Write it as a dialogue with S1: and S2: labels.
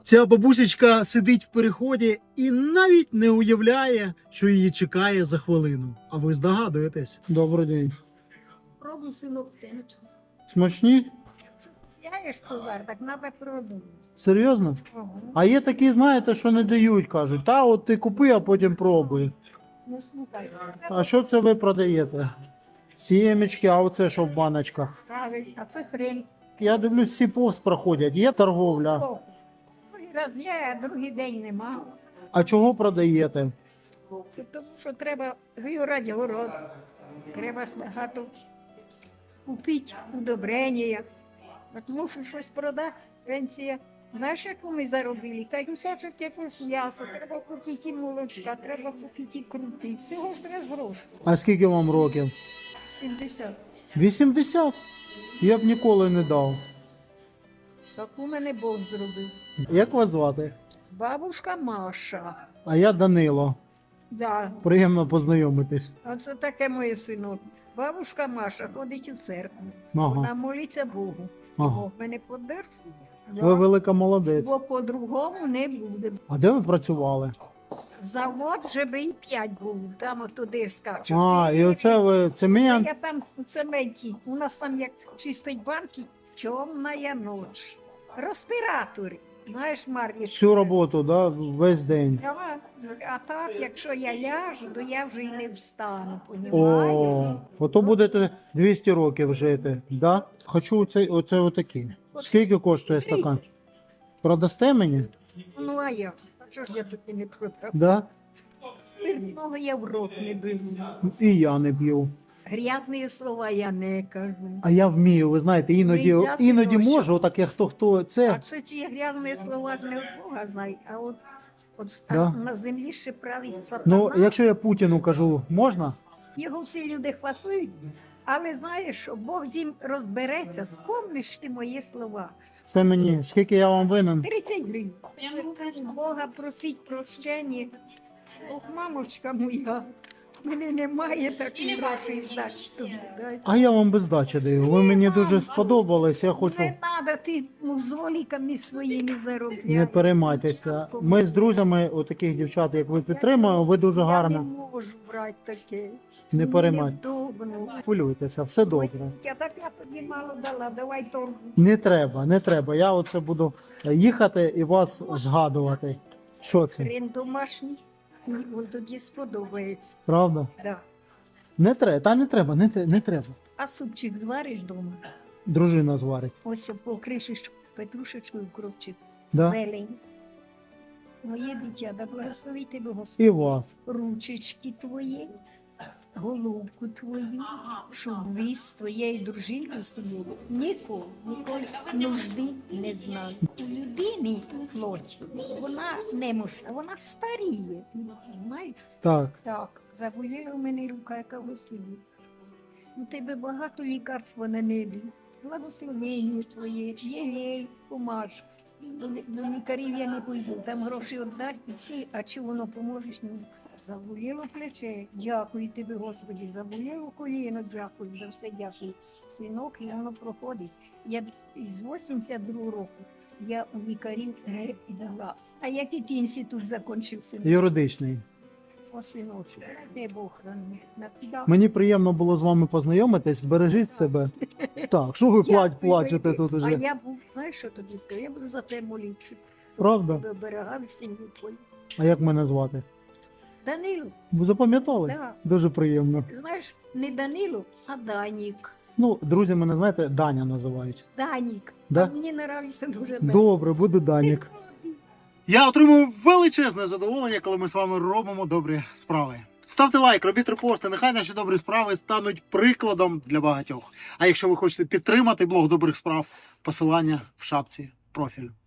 S1: Ця бабусечка сидить в переході і навіть не уявляє, що її чекає за хвилину. А ви здогадуєтесь? Добрий день.
S2: Пробуй синок семечку.
S1: Смачні?
S2: Я ж товар, так надо пробувати.
S1: Серйозно?
S2: Ага.
S1: А є такі, знаєте, що не дають, кажуть, та от ти купи, а потім пробуй.
S2: Не слухай.
S1: А що це ви продаєте? Сімечки, а оце що в баночках?
S2: Ставить, а це хрень.
S1: Я дивлюсь, всі повз проходять, є торговля.
S2: О, другий раз є, а другий день нема.
S1: А чого продаєте?
S2: Тому що треба виорати город. Треба багато купити удобрення. Тому що щось продати, пенсія. Знаєш, яку ми заробили? Та й кусочок якогось м'яса, треба купити і молочка, треба купити і крупи. Всього ж треба грошей.
S1: А скільки вам років?
S2: 70.
S1: 80? Я б ніколи не дав.
S2: Так у мене Бог зробив.
S1: Як вас звати?
S2: Бабушка Маша.
S1: А я Данило.
S2: Да.
S1: Приємно познайомитись.
S2: Оце таке моє синок. Бабушка Маша ходить у церкву.
S1: Ага.
S2: Вона молиться Богу.
S1: Ага.
S2: Бог мене подержить.
S1: Ви велика молодець.
S2: Бо по-другому не буде.
S1: А де ви працювали?
S2: Завод ЖБІ 5 був, там туди скачуть.
S1: А, і оце ви цемент?
S2: Я там в цементі. У нас там як чистить банки, темна ніч. Респіратори. Знаєш, Мар'я?
S1: Всю роботу, да? Весь день.
S2: А так, якщо я ляжу, то я вже й не встану,
S1: О,
S2: понімаєш?
S1: ото будете 200 років жити, да? Хочу оце отакі. Скільки коштує стакан? Продасте мені?
S2: Ну, а я? А що ж я таки не продав?
S1: Да?
S2: Спиртного я в рот не беру.
S1: І я не б'ю.
S2: Грязні слова я не кажу.
S1: А я вмію, ви знаєте, іноді
S2: Ну, я
S1: можу, отак як хто
S2: А
S1: це.
S2: це ці грязні слова ж не от Бога знають, а от
S1: Да.
S2: на землі ще править сатана.
S1: Ну, якщо я Путіну кажу, можна?
S2: Його всі люди хвасують, але знаєш, що Бог з ним розбереться, спомниш ти мої слова.
S1: Це мені, скільки я вам винен?
S2: 30 гривень. Бога просить прощення. Ох, мамочка моя, в мене немає таких грошей здачі тобі. Дай.
S1: А я вам без здачі даю. Ви мені дуже сподобались, я хочу.
S2: Не треба ти музоліками своїми заробляти.
S1: Не переймайтеся. Ми з друзями, отаких дівчат, як ви підтримуємо, ви дуже
S2: Я
S1: гарно.
S2: не можу брати таке.
S1: Не
S2: Мені
S1: переймайте.
S2: невдобно.
S1: Хвилюйтеся, все добре.
S2: Я так я тобі мало дала, давай торгу.
S1: Не треба, не треба. Я оце буду їхати і вас згадувати. Що це?
S2: Хрен домашній, він тобі сподобається.
S1: Правда?
S2: Да.
S1: Не треба, та не треба, не треба.
S2: А супчик звариш вдома?
S1: Дружина зварить.
S2: Ось покришиш петрушечкою кропчик,
S1: Да?
S2: зелень. Моє дитя, да благослови тебе
S1: І
S2: Господь.
S1: вас.
S2: Ручечки твої, головку твою, щоб ви з твоєю дружиною собою ніколи нужди не знали. У людини плоть, вона немощна, вона старіє. Знаєш?
S1: Так.
S2: Так, заболіла в мене рука, яка Господи. У тебе багато лікарств на небі. Благословення твоє, єлей, помаж. До лікарів я не пойду, там гроші віддасть і всі, а чи воно поможеш мені? Заболіло плече, дякую тобі, Господи, заболіло коліно, дякую, за все дякую. Синок, і воно проходить. Я з 82 року я у лікарів не дала. А який ти інститут закінчив, синок?
S1: Юридичний.
S2: О, синочку, де Бог храни. На тебе.
S1: Мені приємно було з вами познайомитись. Бережіть себе. Так, що ви
S2: Дякую,
S1: плачете
S2: Войти.
S1: тут
S2: А
S1: уже?
S2: я був, знаєш, що тобі скажу? Я буду за те молитися.
S1: Правда?
S2: Тебе оберігав сім'ю твою.
S1: А як мене звати?
S2: Данило,
S1: Ви запам'ятали?
S2: да.
S1: Дуже приємно.
S2: Знаєш, не Данило, а Данік.
S1: Ну, друзі мене, знаєте, Даня називають.
S2: Данік.
S1: Да?
S2: А мені нравиться дуже Данік.
S1: Добре, буду Данік. Я отримую величезне задоволення, коли ми з вами робимо добрі справи. Ставте лайк, робіть репости, нехай наші добрі справи стануть прикладом для багатьох. А якщо ви хочете підтримати блог добрих справ, посилання в шапці профілю.